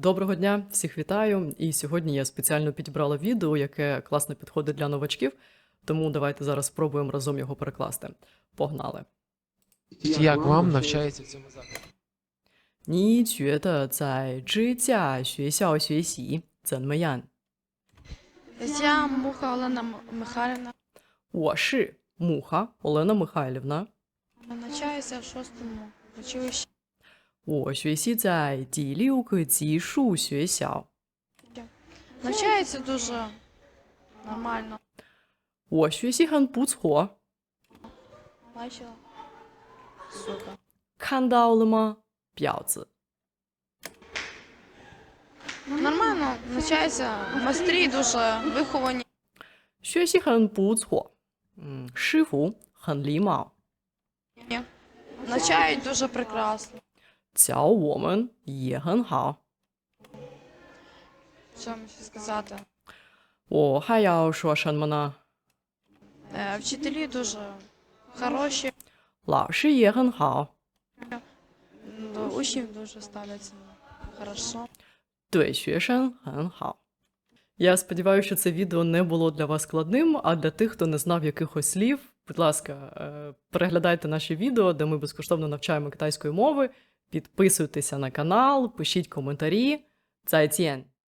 Доброго дня, всіх вітаю! І сьогодні я спеціально підібрала відео, яке класно підходить для новачків, тому давайте зараз спробуємо разом його перекласти. Погнали! Як вам навчається в цьому закладі? 你觉得在支架学校学习怎么样？ Я Муха Олена Михайлівна. 我是 Муха Олена Михайлівна. Навчаюся в 6-му училищі. 我学习在第6个级数学校。 Навчається дуже нормально. 我学习很不错， Бачила? Супер. 看到了吗？婊子。 Нормально, навчається. Майстрі дуже виховані. 学习很不错，师傅很礼貌， Навчають дуже прекрасно. 教我们也很好。 Що мені ще сказати? 我还要说什么呢？ Вчителі дуже хороші. 老师也很好， До учнів дуже ставляться хорошо. 对学生很好。Я сподіваюся, що це відео не було для вас складним, а для тих, хто не знав якихось слів, будь ласка, переглядайте наші відео, де ми безкоштовно навчаємо китайської мови, підписуйтеся на канал, пишіть коментарі. 再见!